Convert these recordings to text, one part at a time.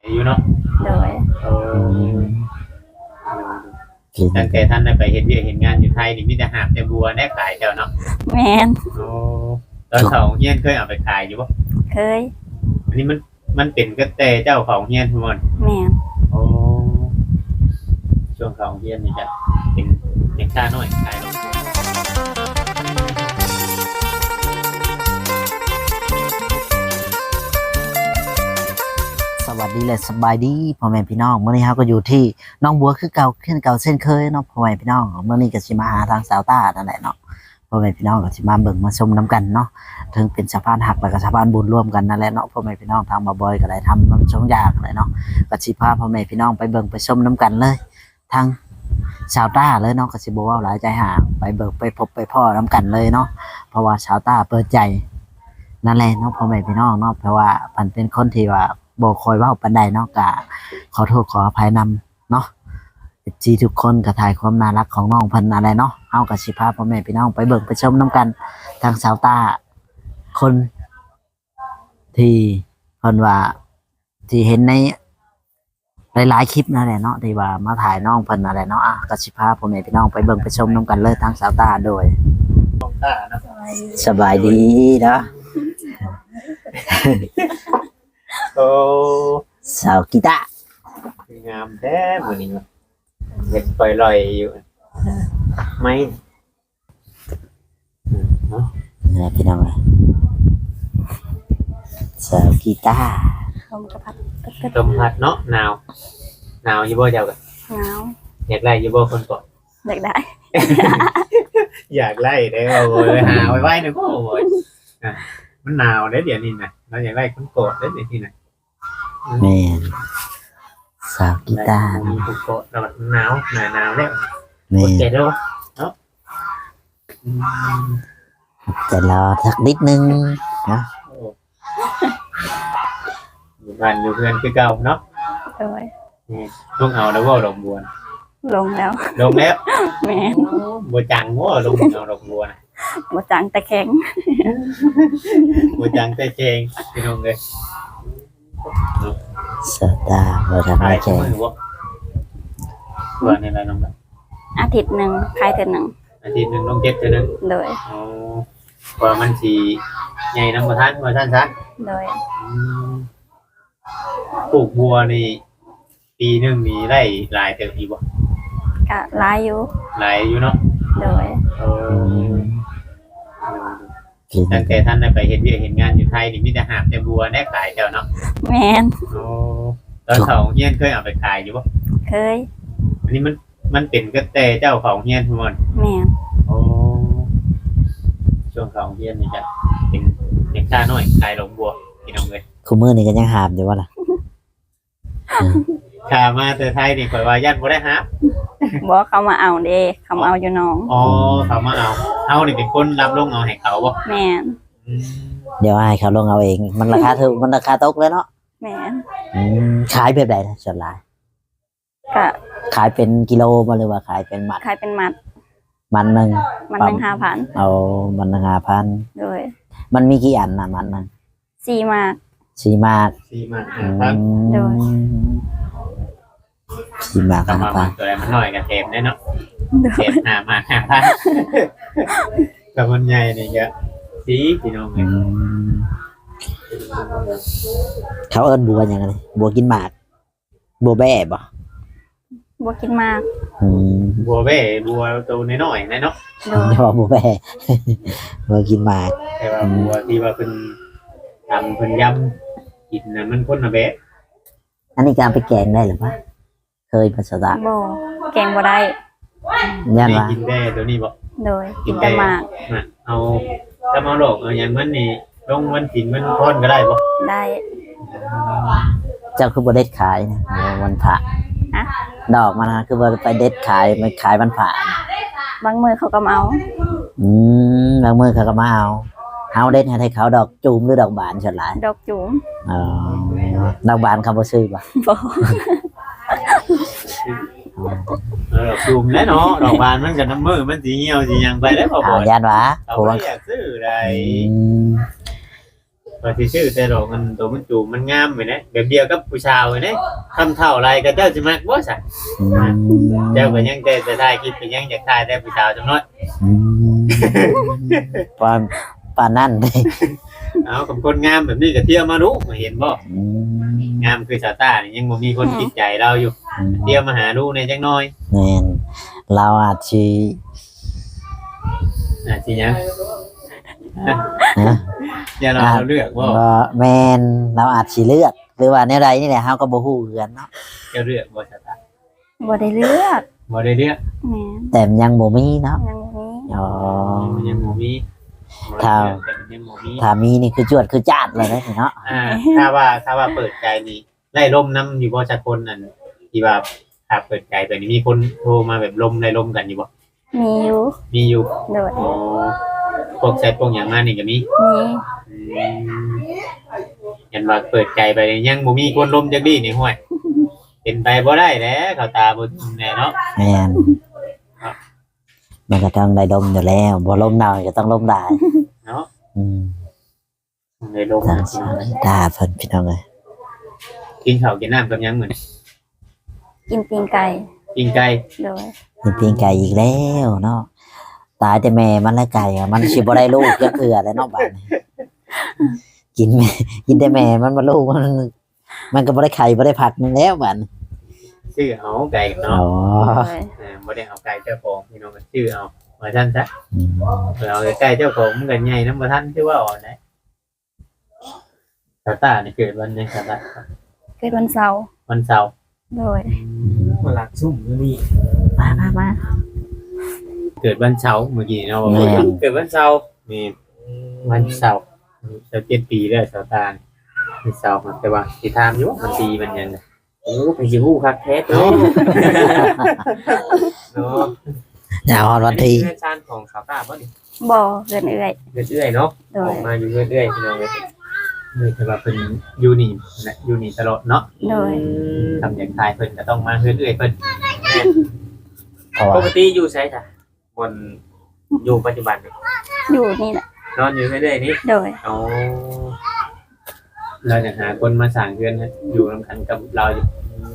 อยู่เนาะโดยโอ้ตั้งแต่ท่านได้ไปเห็นเวียกเห็นงานอยู่ไทยนี่มีแต่หาบแต่บัวได้ขายแถวเนาะแมนโอ้ตอนเขาเฮียนเคยเอาไปขายอยู่ปะเคยอันนี้มันเป็นก็แต่เจ้าของเฮียนทุกคนแมนโอ้ช่วงเขาเฮียนนี่จะเป็นเด็กชาน้อยขายลงสวัสดีและสบายดีพ่อแม่พี่น้องเมื่อนี้เราก็อยู่ที่น้องบัวคือเก่าเช่นเก่าเช่นเคยเนาะพ่อแม่พี่น้องเมื่อนี้ก็สิมาหาทางสาวต้านั่นแหละเนาะพ่อแม่พี่น้องก็สิมาเบิ่งมาชมน้ำกันเนาะถึงเป็นสะพานหักแล้วก็สะพานบุญร่วมกันนั่นแหละเนาะพ่อแม่พี่น้องทางมาบอยก็ได้ทำน้ำชงยากเลยเนาะก็สิพาพ่อแม่พี่น้องไปเบิ่งไปชมน้ำกันเลยทางสาวต้าเลยเนาะก็สิบ่ว่าหลายใจห่างไปเบิ่งไปพบไปพ่อน้ำกันเลยเนาะเพราะว่าสาวต้าเปิดใจนั่นแหละเนาะพ่อแม่พี่น้องเนาะเพราะว่ามันเป็นคนที่ว่าบ่คอยเว้าปานใดเนาะก็ขอโทษขออภัยนำเนาะจีทุกคนก็ถ่ายความน่ารักของน้องเพิ่นอะไรเนาะเฮาก็สิพาพ่อแม่พี่น้องไปเบิ่งไปชมน้ำกันทางสาวตาคนที่เพิ่นว่าที่เห็นในหลายๆคลิปนั่นแหละเนาะที่ว่ามาถ่ายน้องเพิ่นอะไรเนาะก็สิพาพ่อแม่พี่น้องไปเบิ่งไปชมน้ำกันเลยทางสาวตาโดยสบายดีเนาะโอ้สาวกีตาร์งามแท้เหมือนนี้เห็นปล่อยลอยอยู่ไหมเนาะนี่พี่น้องสาวกีตาร์ลมกระพัดลมพัดเนาะหนาวอยู่บ่เจ้ากันหนาวอยากไล่อยู่บ่คนก่อนอยากได้อยากไล่ได้โอ้ยหาไว้หนึ่งโอ้ยมันหนาวได้เดี๋ยวนี้นะเราอยากไล่คนโกรธได้เดี๋ยวนี้นะแม่สาวกีตาร์มีคนโกรธแล้วหนาวแล้วกดเจ็ดแล้วเนาะแต่รอสักนิดนึงนะอยู่บ้านอยู่เพื่อนคือเก่าเนาะโดยต้องเอาแล้วว่าดอกบัวลงแล้วแม่บัวจังว่าลงเอาดอกบัวบัวจังแต่แข็งบัวจังแต่เจงพี่น้องเลยสตาร์บัวจังแต่เจงวันนี้อะไรน้องอาทิตย์หนึ่งใครเดือนหนึ่งอาทิตย์หนึ่งต้องเก็บเท่านึงโดยพอมันสีใหญ่น้ำมาท่านซะโดยปลูกบัวนี่ปีหนึ่งมีได้หลายเติบอีกบ่ก็หลายอยู่เนาะโดยตั้งแต่ท่านได้ไปเห็นเวียกเห็นงานอยู่ไทยนี่มีแต่หาบแต่บัวได้ขายแถวเนาะแมนตอนเขาเฮียนเคยเอาไปขายอยู่ปะเคยอันนี้มันเป็นก็แต่เจ้าของเฮียนทุกคนแมนช่วงของเฮียนนี่จะเป็นเด็กชาน้อยขายหลงบัวพี่น้องเลยคุณมือนี่ก็ยังหาบอยู่วะล่ะขามาแต่ไทยนี่ข่อยว่าญาติบ่ได้หาบอกเขามาเอาเด้เขามาเอาอยู่น้องเขามาเอานี่เป็นคนรับลงเอาให้เขาบ่แมนเดี๋ยวให้เขาลงเอาเองมันราคาถูกมันราคาตกเลยเนาะแมนขายแบบไหนนะส่วนหลายก็ขายเป็นกิโลมาหรือว่าขายเป็นมัดขายเป็นมัดมันหนึ่ง 5,000 เอามัน5,000 โดยมันมีกี่อันนะมัน 4 มากโดย 4 มาก 5,000ตัวมันน้อยกับเทมได้เนาะเทม5 มาก 5,000กับมันใหญ่นี่ก็สีพี่น้องเลยเขาเอิ้นบัวอย่างไรบัวกินหมากบัวแบ่บ่บัวกินมากบัวแบ่บัวตัวน้อยๆเนาะบัวแบ่บัวกินหมากแต่ว่าบัวที่ว่าเป็นทำเป็นยำกินนะมันคนละแบบอันนี้การไปแกงได้หรือเปล่าเคยภาษาบ่แกงบ่ได้ยันว่ากินได้ตัวนี้บ่โดยกินแต่มากเอาถ้ามาหลอกเอาอย่างมันนี่ลงมันกินมันพอนก็ได้บ่ได้เจ้าคือบ่เด็ดขายนะวันพระดอกมันคือบ่ไปเด็ดขายมันขายวันพระบางมือเขาก็มาเอาบางมือเขาก็มาเอาเด็ดให้เขาดอกจูมหรือดอกบานส่วนหลายดอกจูมดอกบานเขาบ่ซื้อบ่ดอกจูมแน่เนาะดอกบานมันกับน้ำมือมันสีเหี่ยวสียังไปได้พอบ่ยันวะเขาอยากซื้อได้ก็สิชื่อแต่ดอกมันตัวมันจูบมันงามไปนะแบบเดียวกับผู้ชายไปนะทำเท่าไรก็เจ้าสิมักบ่ซะอืมเจ้าก็ยังแต่จะถ่ายคลิปก็ยังอยากถ่ายแต่ผู้ชายจังน้อยอืมปานนั่นเลยเอากับคนงามแบบนี้ก็เที่ยวมารู้มาเห็นบ่อืมงามคือสาวต้านี่ยังบ่มีคนติดใจเราอยู่เที่ยวมาหาดูในจังน้อยแม่นเราอาจสิสิหยังนะอย่าเราเลือกบ่บ่แม่นเราอาจสิเลือกหรือว่าแนวใดนี่แหละเฮาก็บ่ฮู้คือกันเนาะเจ้าเลือกบ่สาวต้าบ่ได้เลือกบ่ได้เลือกแม่นแต่มันยังบ่มีเนาะยังบ่มีอ๋อมันยังบ่มีครับแต่มันยังบ่มีถ้ามีนี่คือจวดคือจาดเลยนะเนาะถ้าว่าเปิดใจนี่ไล่ลมน้ำอยู่บ่จักคนนั่นที่ว่าถ้าเปิดใจตัวนี้มีคนโทรมาแบบลมไล่ลมกันอยู่บ่มีอยู่มีอยู่โดยอ๋อพวกแชทพวกหยังมานี่ก็มีมีเห็นว่าเปิดใจไปนี่ยังบ่มีคนลมจักดีนี่ห้วยเป็นไปบ่ได้แหล้วเขาตาบ่แน่เนาะแม่นมันก็ต้องได้ดมอยู่แล้วบ่ลมหนาวก็ต้องลมได้เนาะอืมได้ลมทางนะสาวตาเพิ่นพี่น้องเอ้ยกินข้าวกินน้ำกับหยังเหมือนกินตีนไก่กินไก่โดยกินตีนไก่อีกแล้วเนาะตายแต่แม่มันและไก่อะมันสิบ่ได้ลูกจักเทื่อแล้วเนาะบัดนี้กินแม่กินแต่แม่มันบ่ลูกมันก็บ่ได้ไข่บ่ได้ผักมันแล้วบัดนี้ชื่อเอาไก่กันอ๋เนาะอโดยบ่ได้เอาไก่เจ้าของพี่น้องก็ชื่อเอาว่าซั่นซะอืมเอาไก่เจ้าของมันก็ใหญ่นำบ่ทันชื่อว่าอ่อนได้ตาตานี่เกิดวันยังตาเกิดวันเสาร์วันเสาร์โดยมาหลักซุ่มนี่มาเกิดวันเสาร์เมื่อกี้เนาะเกิดวันเสาร์นี่วันเสาร์จะ7 ปีแล้วตาตาวันเสาร์แต่ว่าสิถามอยู่ว่ามันปีมันยังโอ้ไปสิฮู้คักแท้เนาะเนาะอย่าฮอดวันที่เพื่อนชาญของสาวตาบ่ดิบ่เกินเอื้อยเรื่อยๆเนาะโดอย อกมาอยู่เรื่อยๆพี่น้องเลยแต่ว่าเป็นยูนี่นะยูนี่ตลอดเนาะโดยทำอย่างทายเพิ่นก็ต้องมาเรื่อยๆเพิ่นเพราะปว่ากติอยู่ใช่จ้ะบนอยู่ปัจจุบันนี่อยู่นี่แหละนอนอยู่เรื่อยๆนี่โดยเอาเราจะหาคนมาสั่งเพื่อนให้อยู่ร่วมกันกับเราอยู่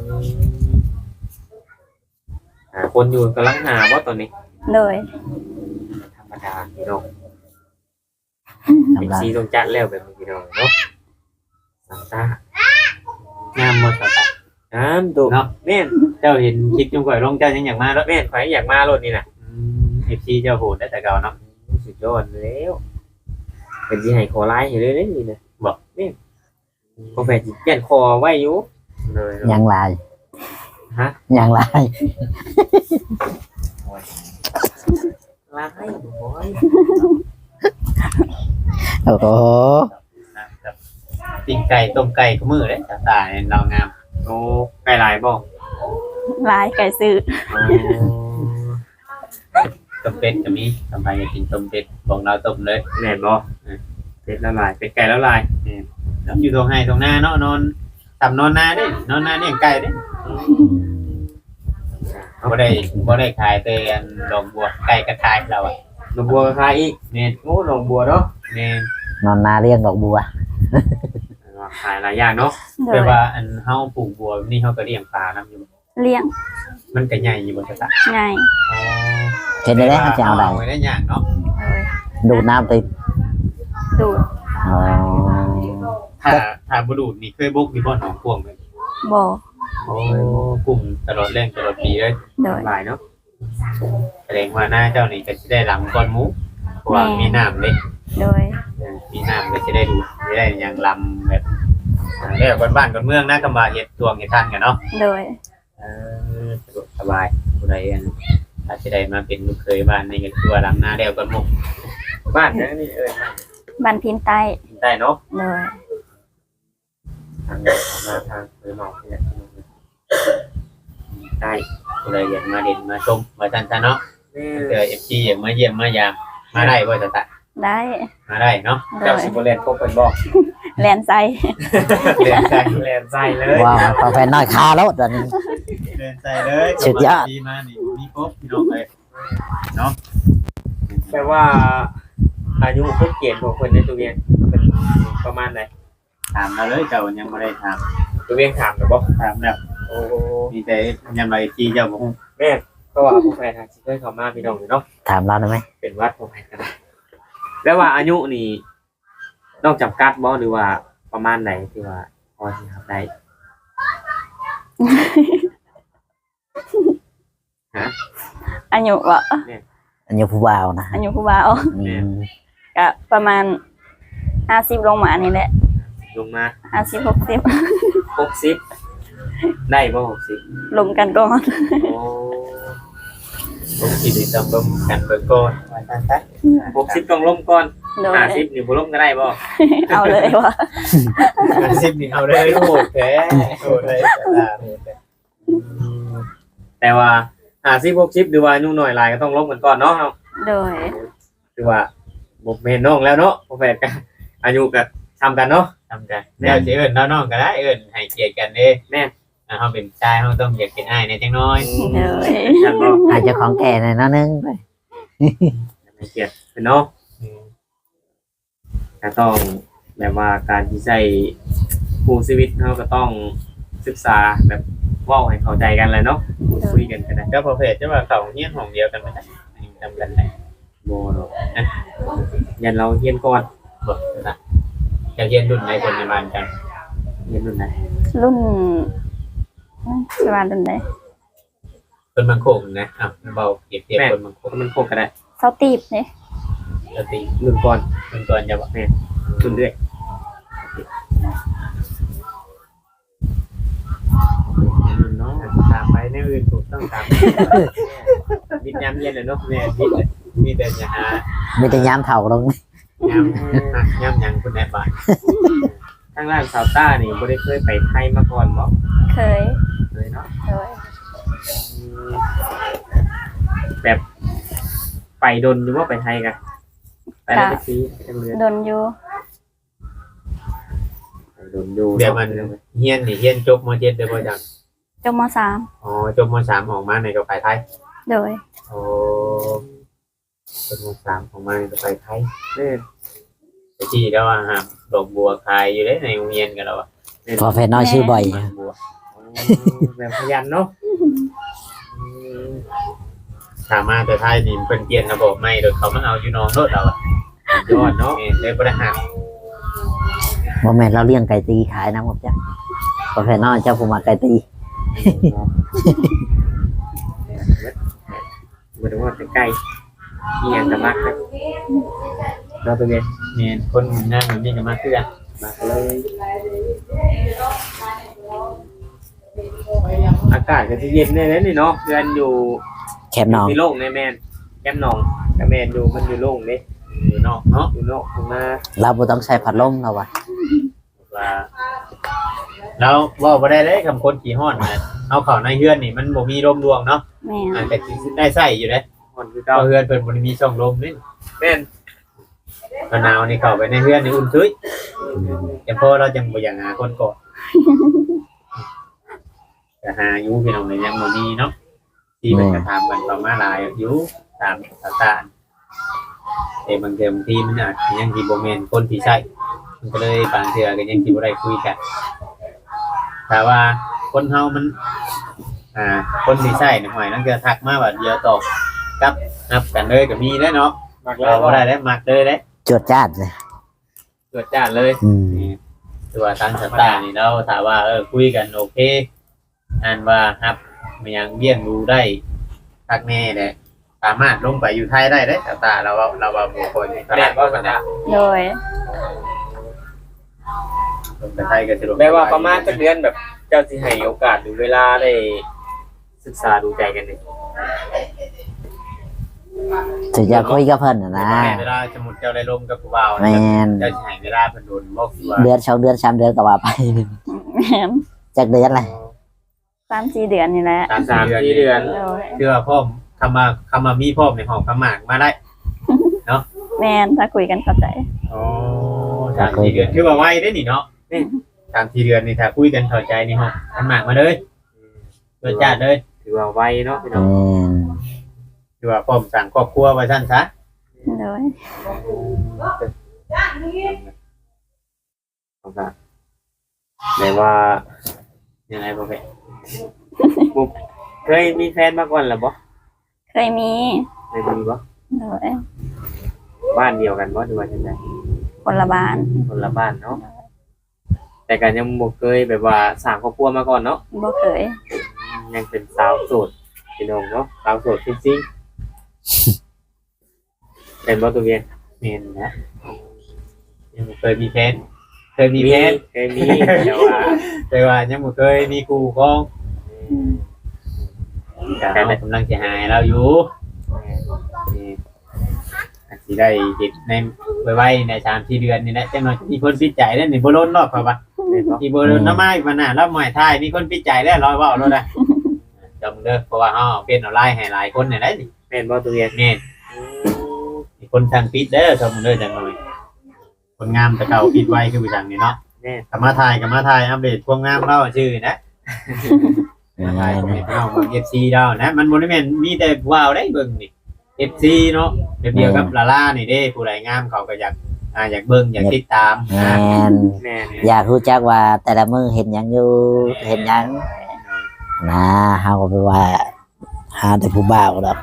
หาคนอยู่กำลังหาว่าตอนนี้โดยธรรมดาพี่น้องกำเป็นลังซีต้องจัดแล้วแบบนี้พี่น้องเนาะสามตางามหมดสามตาน้ำดุเนาะแม่นเจ้าเห็นคลิปจงก่อยลงเจ้ายังอยากมาแล้วแม่นข่อยอยากมารถนี่นะเอฟซีเจ้าโหดได้แต่เก่าเนาะสุดยอดแล้วเป็นที่ให้คอไล่อยู่เลยนี่นะบอกนี่กาแฟจิเปลี่ยนคอไว้อยู่เลยยังลายฮะยังลายไล่โอ้ยโอ้โหนะครับปิ้งไก่ต้มไก่ก็มือเลยตาเนี่ยเรางามโอ้ไก่ลายบ่ลายไก่ซื้อต้มเป็ดก็มีทำไมอยากกินต้มเป็ดบอกเราต้มเลยแม่นบ่เป็ดละลายเป็ดไก่ละลายแล้วอยู่ตรงไห้ตรงหน้าเนาะนอนทำนอนหน้าเด้นอนหน้าเนี่ยงไก่เด้บ่ได้ขายแต่ดอกบัวไก่กระทายเราอ่ะหนองบัวคายอีกเน่นโอ้หนองบัวเนาะเน่นนอนนาเรียงดอกบัวขายหลายอย่างเนาะโดแปลยว่าอันเฮาปลูกบัวนี่เฮาก็เลี้ยงปลานํอยู่เลี้ยงมันก็ใหญ่อยู่บ่ตาไงอ๋อเห็นได้แล้วเขาจะเอาอะไรไว้ได้อย่างเนาะโดยดูดน้ำติดดูดอ๋อถ้าบ่ดูดนี่เคยบุกมีบ่หนองพวงเลยบ่โอ้กลุ่มตลอดแรงตลอดปีเลยโดยหลายเนาะแสดงว่าหน้าเจ้านี่ก็สิได้หลังก้อนหมูเพราะว่ามีน้ำเด้โดยมีน้ำก็สิได้ดูดสิได้หยังลำแบบแล้วบ้านๆเมืองนะกำว่าเฮ็ดตวงเฮ็ดทันกันเนาะโดยสะดวกสบายผู้ใดอันถ้าสิได้มาเป็นลูกเคยบ้านนี่ก็คือว่าหลังหน้าแล้วก้อนหมูบ้านนี้บ้านพินใต้ได้เนาะโดยทางมาทางไปหมอกเนี่ยได้ผู้ใดอยากมาเด่นมาชมมาทันซะเนาะนี่เจอ FG อยากมาเยี่ยมมายามมาได้บ่ตะได้มาได้เนาะโดเจ้าย สิบเรียนพบเป็นบอกแลนไซเรียนใจเรียนใจเลยว้าวกาแฟน้อยคาแล้วตอนนี้เรียนใจเลยสุดยอดดีมานี่มีครบพี่น้องเลยเนาะแปลว่าอายุคนเกณฑ์ของคนในตัวเวียงเป็นประมาณไหนถามเราเลยเจ้ายังไม่ได้ถามตัวเวียงถามหรือเปล่าถามแล้วโอ้มีแต่ยังไรจีเจ้าบอกแม่ก็ว่าผู้แฟนทางที่เคยเข้ามาพี่น้องอยู่เนาะถามเราได้ไหมเป็นวัดผู้แฟนกันแล้วว่าอายุนี่นอกจำกัดบ่หรือว่าประมาณไหนที่ว่าพอที่ทำได้อายุบ่อันนี้ผู้บ่าวนะอายุผู้บ่าวอืมก็ประมาณ50ลงมานี่แหละลงมา 50 60 60ได้บ่60 ลงกันก่อนโอ้ผมคิดดีต้องร่วมกันเบิ่งก่อนว่าท่านซะ 60ต้องล้มก่อนโดย 50นี่บ่ล้มก็ได้บ่เอาเลยว่า 50นี่เอาเลยโหดแท้โหดเลยแต่ว่า50 60หรือว่าอายุน้อยหลายก็ต้องล้มกันก่อนเนาะโดยคือว่าบ่แม่นน้องแล้วเนาะบ่แม่นกันอายุก็ซ้ำกันเนาะทำกันเดี๋ยวสิเอิ้นน้องๆก็ได้เอิ้นให้เกียรติกันเด้แม่นเฮาเป็นชายเฮาต้องอยากเป็นอ้ายในจังน้อยโดยท่านบ่อาจจะของแก่หน่อยเนาะนึงไปให้เกียรติเพิ่นเนาะก็ต้องแบบว่าการที่ใช้คู่ชีวิตเฮาก็ต้องศึกษาแบบเว้าให้เข้าใจกันแหละเนาะพูดคุยกันก็ได้ก็พอเพจจะว่าเขาเฮียนห้องเดียวกันบ่ได้ทำกันได้บ่เนาะยันเราเรียนก่อนบ่นะจะเฮียนรุ่นไหนคนในบ้านกันเรียนรุ่นไหนรุ่นประมาณรุ่นใดคนบางโคกนะเบาเปรียบเทียบคนบางโคกมันโคกก็ได้เซาตีบนี่ปกติรุ่นก่อนเป็นตัวจะบอกรุ่นเรื่อยเนาะตามไปในอื่นถูกต้องตามวิทยามเรียนเลยเนาะแม่ที่มีแต่จะหามีแต่ยามเถ่าลงย่ำยังคุณแม่บ้านทางร้านซาวต้านี่บ่ได้เคยไปไทยมาก่อนบ่เคยเลยเนาะโดยแบบไปดนอยู่ว่าไปไทยกันไปแล้วไปซีไปทางเรือโดนอยู่ไปดนอยู่เดี๋ยวมันเฮียนนี่เฮียนจบม.7ได้บ่จังจบมอ๋อจบม.3ออกมาในก็ไปไทย .3 โดยโอ้จบม.3ออกมาในก็ไปไทยเนี่ยไปที่แล้วว่าหาดอกบัวขายอยู่ในโรงเรียนกันแล้วอ่ะพอแฟนน้อยชื่อบ่อยดอกบัวแบบขยันเนาะสามารถแต่ไทยนี่เพิ่นเปลี่ยนระบบใหม่โดยเขามาเอาอยู่น้องรถเราอ่ะยอดเนาะเลยบ่ได้หักบ่แม่นเราเลี้ยงไก่ตีขายนะผมจ้ะพอแฟนน้อยเจ้าผู้มาไก่ตีบ่ได้ว่าใกล้ๆอีหยังก็มักนะเราไปเรียนเนี่ยคนงานแบบนี้ก็มาคือกันมักเลยอากาศก็สิเย็นได้แล้วนี่เนาะเดือนอยู่แคบน้องมีโล่งในแม่นแก้มหนองกับแม่นอยู่มันอยู่โล่งเด้อยู่นอกเนาะอยู่นอกข้างหน้าเราบ่ต้องใช้พัดลมเราว่ะว่าแล้วว่าบ่ได้เลยคำคนขี่ฮ้อนนะเอาเข้าในเฮือนนี่มันบ่มีลมดวงเนาะแม่นแต่สิได้ใส่อยู่เด้คนคือเก่าเก่าเฮือนเพิ่นบ่ได้มีช่องลมนี่แม่นมะนาวนี่เข้าไปในเฮือนนี่อุ่นซุยจังพอเราจังบ่อยากหาคนก่อนจะหาอยู่พี่น้องนี่ยังบ่มีเนาะที่เพิ่นก็ถามกันประมาณหลายอยู่ตามสถานแต่บางทีมันอาจสิยังสิบ่แม่นคนที่ใช้มันก็เลยบางเทื่อก็ยังสิบ่ได้คุยกันแต่ว่าคนเฮามัน คนที่ใช้นี่หอยนั่นก็ทักมาว่าเดียวตอบกับนับกันเลยก็มีแล้วเนาะมักแล้เราวบ่ได้ได้มักเลยเด้จวดจ้าดเลยตรวจจ้านเลยอืมนี่ตัวทางสตาร์นี่เราถามว่าคุยกันโอเคอันว่าครับมันยังเบี้ยงดูได้ทักแน่แหละสามารถลงไปอยู่ไทยได้เด้สตาร์เราว่าบุคคลนี่ตลาดบ่กันนะโดยลงไปไทยก็สะดวกแม่ว่าประมาณจักเดือนแบบเจ้าสิให้โอกาสหรือเวลาได้ศึกษาดูใจกันนี่ถึงจะคุยกับเพิ่นน่ะนะแม่เวลาสมมุติเจ้าได้ลมกับผู้บ่าวแม่นเจ้าสิให้เวลาเพิ่นโดนบ่คือว่าเดือน2เดือน3เดือนก็ว่าไปแม่นจักเดือนเลย 3-4 เดือนนี่แหละ 3-4 เดือนโดยเชื่อพ่อมคำมามีพ่อมในห้องคำหมากมาได้แม่นถ้าคุยกันเข้าใจโอ้3-4 เดือนคือว่าไวได้นี่เนาะนี่3-4 เดือนนี่ถ้าคุยกันเข้าใจนี่ห้องคำหมากมาเลยเปิดจ้าเลยถือว่าไวเนาะพี่น้แม่องนคือว่าพ่อมสั่งครอบครัวไว้ซั่นซะโดยไหนว่ายังไงบ่แม่ปุ๊บเคยมีแฟนมาก่อนหรือบ่เคยมีเคยมีบ่โดยบ้านเดียวกันบ่หรือว่าจังได๋คนละบ้านคนละบ้านเนาะแต่ก็ยังบ่เคยแบบว่าสร้างครอบครัวมาก่อนเนาะบ่เคยยังเป็นสาวโสดพี่น้องเนาะสาวโสดจริงๆเป็นบ่ตัวเวียนเมนนะยังบ่เคยมีแฟนเคยมีแฟนเคยมีแต่ว่าแต่ว่ายังบ่เคยมีคู่ครองแต่เรากำลังจะหายเราอยู่นี่อาจสิได้เห็นในไว้ใน3-4 เดือนนี่แหละจังหน่อยมีคนปิดใจแล้วนี่บ่ล้นรอบครับว่าแม่นบ่อีบ่ล้นน้ำมาอีกมาหน้าแล้วหมอยท้ายมีคนปิดใจแล้วรอเว้าแล้วนะจำเด้อเพราะว่าเฮาเป็นออนไลน์ให้หลายคนนี่แหละนี่แม่นบ่ตัวเวียนแม่นมีคนทางปิดเด้อจำเด้อจังหน่อยคนงามแต่เก่าปิดไว้คือผู้จังนี่เนาะแม่นกลับมาถ่ายอัปเดตความงามเราชื่อนะมาถ่ายของพี่น้องเบิ่ง FC เรานะมันบ่ได้แม่นมีแต่ว้าวได้เบิ่งนี่ FC เนาะเดียวกับลาล่านี่เด้ผู้ใดงามเขาก็อยากเบิ่งอยากติดตามแม่นะนแม่นอยากรู้จักว่าแต่ละมื้อเห็นหยังอยู่เห็นหยังนะเฮาก็ไปว่าหาแต่ผู้บ่าวดอก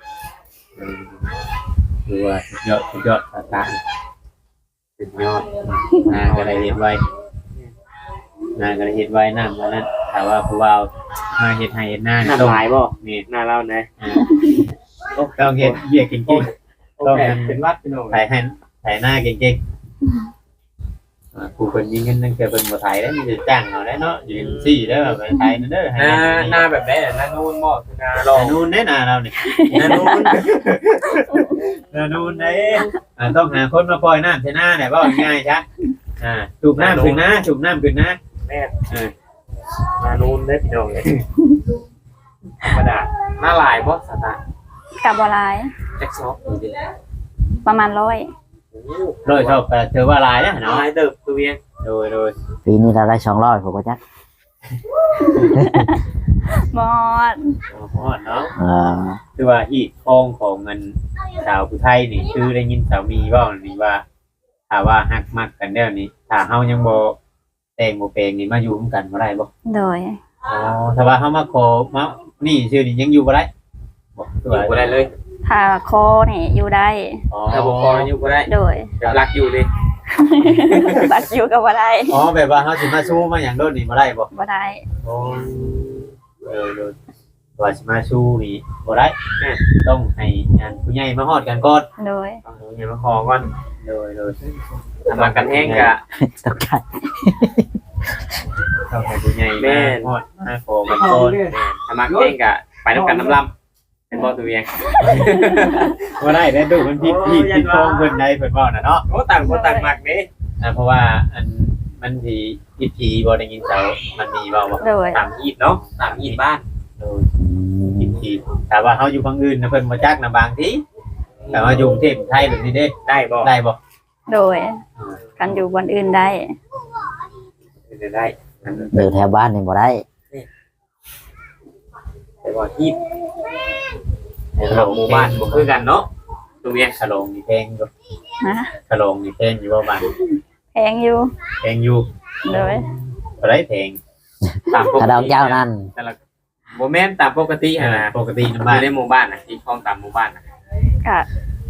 คือว่าสุดยอดตาสุดยอดก็ได้เห็นไว้ก็ได้เห็นไว้น้ำว่านั้นถ้าว่าผู้บ่าวมาเฮ็ดให้เฮ็ดหน้าหน้าต้องหลายบ่นี่หน้าเรานะต้องเฮ็ดเบี้ยเก่งโอเคเป็นวัดพี่น้องๆถ่ายหน้าเก่งๆผู้คนยิงเงินนั่นคือเพิ่นบ่ถ่ายได้มีแต่จ้างเอาได้เนาะยืนซี่เด้อไปถ่ายนั่นเด้อให้หน้าแบบไหนหน้านูนบ่คือหน้าหลรออนูนเด้หน้าเรานี่หน้านูนเด้ ต้องหาคนมาปล่อยน้ำใส่หน้าเนี่ยว่าง่ายๆจ้ะจูบน้ำขึ้นนะแม่หน้านูนได้พี่น้องเลยธรรมดาหน้าลายบ่สตาร์กับบ่หลายแจ็คซอฟประมาณ100 โดยชอบเธอว่าลายนะน้เนาะอยเติบตัวเวียงโดยปีนี้เราได้200ผมก็จักหมดเนาะเออคือว่าฮีทคองของมันสาวผู้ไทยนี่คือได้ยินสามีว่านี่ว่าถ้าว่าฮักมักกันแล้วนี่ถ้าเฮายังบ่แต่งบ่แปลงนี่มาอยู่ร่วมกันบ่ได้บ่โดยถ้าว่าเฮามาขอมานี่ชื่อนี่ยังอยู่บ่ได้บ่คืออยู่บ่ได้เลยถ้าคอนี่อยู่ได้ถ้าบ่พออยู่บ่ได้โดยแบบรักอยู่ดิบักอยู่ก็บ่ได้แบบว่าเฮาสิมาสู้มาหยังโดนนี่บ่ได้บ่บ่ได้ว่าสิมาสู้นี่บ่ได้ต้องให้งานผู้ใหญ่มาฮอดกันก่อนโดยต้องอย่ามาขอก่อนโดยทำมากันแห้งกะตกใจต้องให้ผู้ใหญ่แม่มาฮอดมาขอกันก่อนทำมาแห้งกะไปน้ำกันน้ำลำเป็นบ่ตัวเวียงบ่ได้แล้วดูมันผิดฟองเพิ่นได้เพิ่นเว้าน่ะเนาะโอ้ต่างคนต่างมักเด้เพราะว่าอันมันสิผิดผีบ่ได้ยินเจ้ามันมีเว้าบ่โดยต่างอีดเนาะต่างอีดบ้านโดยผิดผีแต่ว่าเฮาอยู่ฝั่งอื่นนะเพิ่นบ่จักนะบางทีแต่ว่าอยู่กรุงเทพไทยแบบนี้เด้ได้บ่ได้บ่โดยกันอยู่บนอื่นได้ได้อยู่แถวบ้านนี่บ่ได้แต่ว่าอีดหมู่บ้านบ่คือกันเนาะตัวเวียงขะโลงนี่แพงอยู่ฮะขะโลงนี่แพงอยู่บ่บ้านแพงอยู่แพงอยู่โดยบ่ได้แพงตามปกกระดองติเจ้านั่นแต่ละบ่แม่นตามปกติหั่นน่ะปกติน้ำอบ้านยู่ในหมู่บ้านน่ะที่คลองตามหมู่บ้านน่ะก็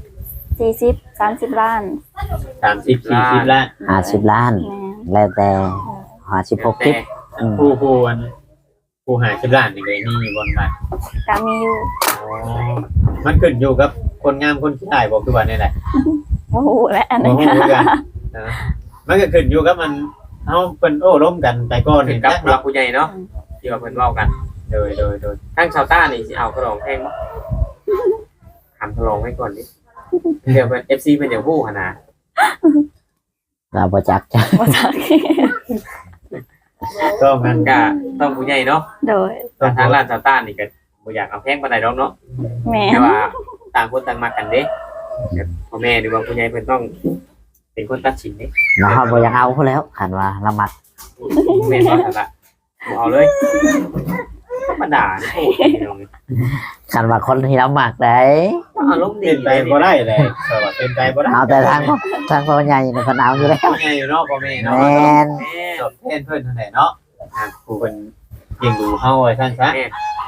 40-30 ล้าน 30 40ล้าน 50 ล้านแม่นแล้วแต่56คลิปอืมผู้หา10ล้านนี่ก็มีอยู่บนบ้านก็มีอยู่มันขึ้นอยู่กับคนงามคนขี้ได้บ่คือว่านี่แหละโอ้โหและอันโอ้นี้โหกันมันก็ขึ้นอยู่กับมันเฮาเพิ่นโอ้ล้มกันแต่ก่อนถึนี่งกับจักผู้หลัเนาะกผู้ใหญ่เนาะที่ว่าเพิ่นเว้ากันโดยทั้งชาวต้านี่สิเอากระดองแพงบ่ถามทดลองไว้ก่อนดิเดี๋ยวเพิ่น FC เพิ่นจะฮู้หั่นน่ะเราบ่จักจ้ะบ่จักก็มันก็ต้องผู้ใหญ่เนาะโดยต้องทางร้านชาวต้านี่ก็บ่อยากเอาแพงปานใดดอกเนาะแม่แต่นว่าต่างคนต่างมากันเด้พ่อแม่หรือว่าผู้ใหญ่เพิ่นต้อง เป็นคนตัดสินเด้เราบ่อยากเอาเขาแล้วคันว่าละมักแม่นบ่ซั่นล่ะบ่เอาเลยธรรมดาโอ้ยพี่น้องคันว่าคนที่เรามักได้เอาอารมณ์ดีเป็นไปบ่ได้เลยเออว่าเป็นไปบ่ได้เอาแต่ทางพ่อใหญ่เนี่ยเพิ่นเอาอยู่แล้วพ่อใหญ่อยู่เนาะพ่อแม่เนาะแม่นแม่ตอบแทนเพิ่นเท่าไหร่เนาะผู้เพิ่นเลี้ยงดูเฮาไว้ท่านซะแม่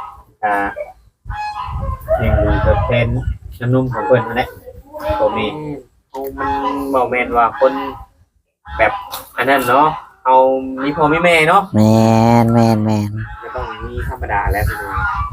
เลี้ยงดูตอบแทนน้ำนมของเพิ่นนั่นแหละพ่อแม่เอามันบ่แม่นว่าคนแบบอันนั้นเนาะเอามีพ่อมีแม่เนาะแม่นไม่ต้องมีธรรมดาแล้วพี่น้อง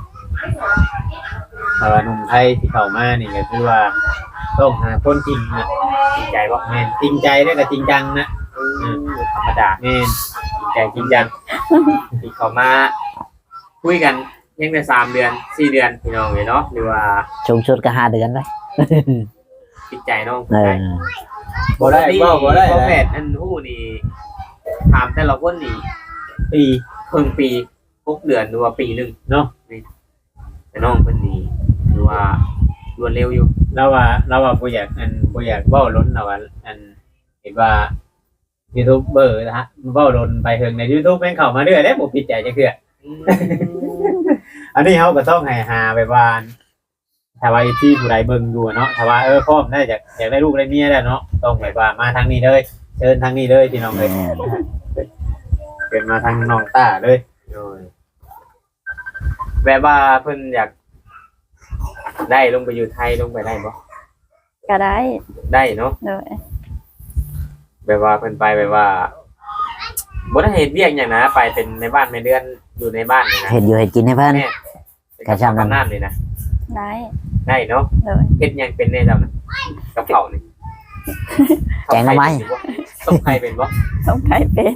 แต่ว่าหนุ่มไทยที่เข้ามานี่ก็คือว่าต้องหาคนจริงนะจริงใจบ่แม่นจริงใจแล้วก็จริงจังนะธรรมดาแม่นจริงใจจริงจังที่เขามาคุยกันยังได้3 เดือน 4 เดือนพี่น้องเลยเนาะหรือว่าชุมชุดก็5 เดือนเลยจิตใจน้องเออบ่ได้บ่ได้พ่อแพทย์อันฮู้นี่ถามแต่ละคนนี่ปีครึ่งปี6 เดือนหรือว่าปีหนึงเนาะแต่น้องเพิ่นนี่ถือว่ารวดเร็วอยู่เราว่าบ่อยากบ่อยากเว้าล้นเราว่าเห็นว่ายูทูบเบอร์นะฮะเว้าล้นไปถึงใน YouTube แม่งเข้ามาเรื่อยแล้วบ่ผิดใจจักเทื่ออันนี้เฮาก็ต้องให้หาไปว่าถ้าว่าที่ผู้ใดเบิ่งอยู่เนาะถ้าว่าพร้อมได้อยากได้ลูกได้เมียแล้วเนาะต้องแบบว่ามาทางนี้เลยเชิญทางนี้เลยพี่น้องเอ้ยแม่นเป็นมาทางน้องต้าเลยโดยแบบว่าเพิ่นอยากได้ลงไปอยู่ไทยลงไปได้บ่ก็ได้ได้เนาะโดยแบบว่าเพิ่นไปแบบว่าบ่ได้เฮ็ดเวียกหยังนะไปเป็นในบ้านในเดือนอยู่ในบ้านนี่นะเฮ็ดอยู่เฮ็ดกินให้เพิ่นแม่กระชับน้ำน้ำนี่นะได้ได้เนาะโดยเฮ็ดหยังเป็นแน่จำนะกับเผานี่แกงหน่อไม้ต้มไข่เป็นบ่ต้องใครเป็น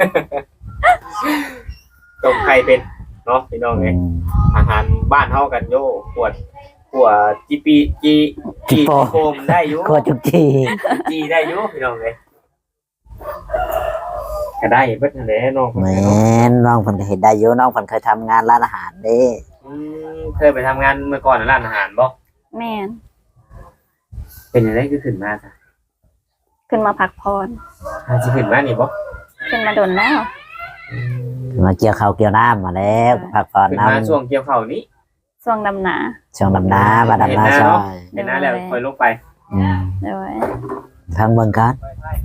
ต้มไข่เป็นเนาะพี่น้องเอ้ยอาหารบ้านเฮากันโยปวดจีปีจีโฟมได้อยู่โคตรจุกจีจีได้อยู่พี่น้องเอ้ยก็ได้เบิดนั่นแหละน้องแม่นน้องเพิ่นก็เฮ็ดได้อยู่น้องเพิ่นเคยทำงานร้านอาหารเด้เคยไปทำงานเมื่อก่อนในร้านอาหารบ่แม่นเป็นยังไงคือขึ้นมาจ้ะขึ้นมาพักผ่อนสิขึ้นมานี่บ่ขึ้นมาโดนแล้วมาเกี่ยวข้าวเกี่ยวน้ำมาแล้วพักผ่อนขึ้นน้มาช่วงเกี่ยวข้าวนี้ช่วงดำหนาำช่วงดำน้ำมาดำน้ำซอยเห็นหน้าแล้วค่อยลงไปอืมโดยทางเมืองกัน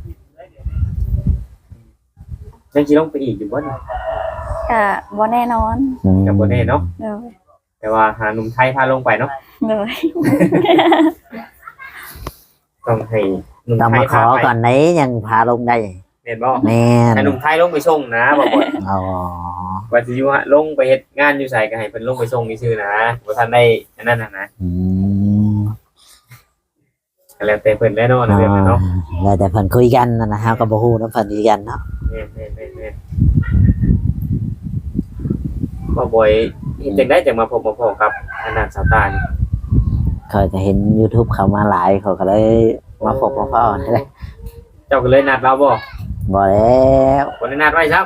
ยังสิลงไปอีกอยู่บ่นี่ก็บ่แน่นอนกับบ่แน่เนาะโดยแต่ว่าหาหนุ่มไทยพาลงไปเนาะโดยต้องให้หนุ่มต้องไทมาย ขพาอไปก่อนไหนยังพาลงได้แม่นบ่แม่นให้หนุ่มไทยลงไปส่งนะบ่บ่อยอ๋อว่าสิอยู่ฮะลงไปเฮ็ดงานอยู่ไสก็ให้เพิ่นลงไปส่งซื่อๆนะบ่ทันได้อันนั้นน่ะนะอืมก็แล้วแต่เพิ่นแน่นอนอ๋อเรื่องนั้นเนาะแล้วแต่เพิ่นคุยกันนะฮะก็บ่ฮู้นำเพิ่นคุยกันเนาะแม่นบ่บ่อยเฮ็ดจังได๋จังมาพบมาพ้อกับอันนั้นสาวตานี่เขาก็เห็น YouTube เขามาหลายเขาก็เลยมาพบมาพ้อนี่แหละเจ้าก็เลยนัดเราบ่บ่แล้วบ่ได้นัดไว้ครับ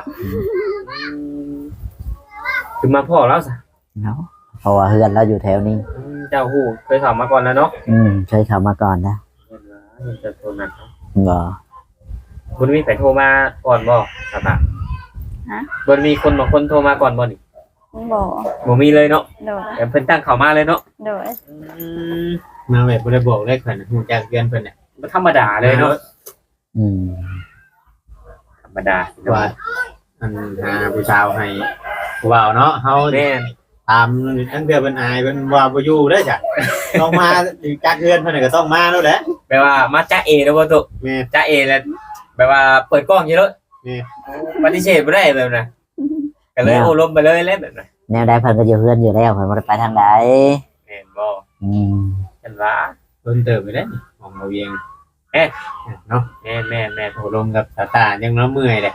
คือมาพ้อแล้วซะเนาะเพราะว่าเฮือนเราอยู่แถวนี้เจ้าฮู้เคยเข้ามาก่อนแล้วเนาะเคยเข้ามาก่อนนะจะโทรนัดบ่คุณมีใครโทรมาก่อนบ่ครับอ่ะฮะบ่มีคนบางคนโทรมาก่อนบ่นี่บ่บ่มีเลยเนาะโดยแต่เพิ่นตั้งเข้ามาเลยเนาะโดยมาแบบบ่ได้บอกได้ขนาดฮู้จักเพื่อนเพิ่นน่ะบ่ธรรมดาเลยเนาะอืมธรรมดาว่าอันหาผู้สาวให้ผู้บ่าวเนาะเฮาแม่นตามทั้งเดือนเพิ่นอายเพิ่นว่าบ่อยู่เด้อจ้ะต้องมาจักเพื่อนเพิ่นนก็ต้องมาแล้วแหละแปลว่ามาจ้าเอแล้วบ่ตุแม่จ้าเอแล้วแปลว่าเปิดกล้องอยู่แล้วแม่ปฏิเสธบ่ได้แบบน่ะก็เลยโอ้ลมไปเลยแล้วแบบน่ะแนวใดเพิ่นก็อยู่เฮือนอยู่แล้วเพิ่นบ่ได้ไปทางใดแม่นบ่อืมฉันว่าโดนเติบไปแล้วมองเอาเองเนาะแม่นโอ้ลมกับตาตายังเนาะเมื่อยเลย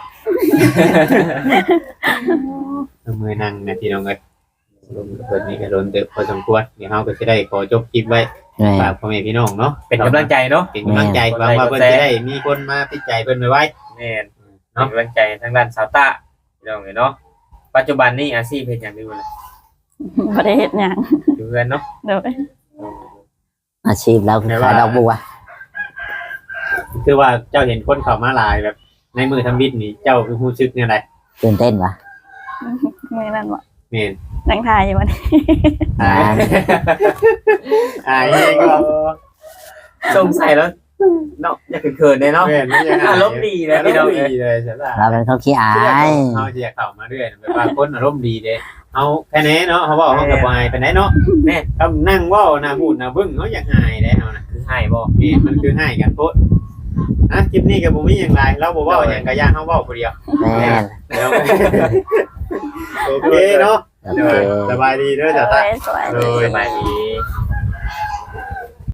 เมื่อยนั่งนะพี่น้องเอ้ยลมกับเพิ่นนี่ก็โดนเติบพอสมควรเดี๋ยวเฮาก็สิได้ขอจบคลิปไว้แม่ฝากพ่อแม่พี่น้องเนาะเป็นกำลังใจเนาะเป็นกำลังใจหวังว่าเพิ่นจะได้มีคนมาติดใจเพิ่นไว้แม่นเป็นกำลังใจทางด้านสาวตาพี่น้องเนาะปัจจุบันนี้อาชีพเฮ็ดหยังอยู่ล่ะบ่ได้เฮ็ดหยังอยู่เรือนเนาะโดยอาชีพเราคือขายดอกบัวคือว่าเจ้าเห็นคนเข้ามาหลายแบบ ในมือทำบิดนี่เจ้าคือฮู้สึกแนวใดตื่นเต้นวะมื้อนั้นบ่แม่นนั่งถ่ายอยู่วันนี้อ่าอายเองก็สงสัยแล้วเนาะอย่าเขินๆเลยเนาะแม่นไม่ยังอารมณ์ดีเลยพี่น้องอารมณ์ดีเลยใช่ป่ะเราเป็นคนขี้อายเขาจะเข้ามาเรื่อยแบบว่าคนอารมณ์ดีเด้เอาแค่นี้เนาะเขาบอกเขากับวายไปไหนเนาะแม่เขานั่งเว่าหน้าพูดหน้าบึ้งเขาอยากหายได้เอานะคือให้บ่นี่มันคือให้กันโพดคลิปนี้กับผมมีอย่างไรเราบอกว่าอย่างกระยางเขาเว่าคนเดียวแม่นเดี๋ยวโอเคเนาะโอเคสบายดีเด้อจ้าโดตายสวยโดยสบายดีโ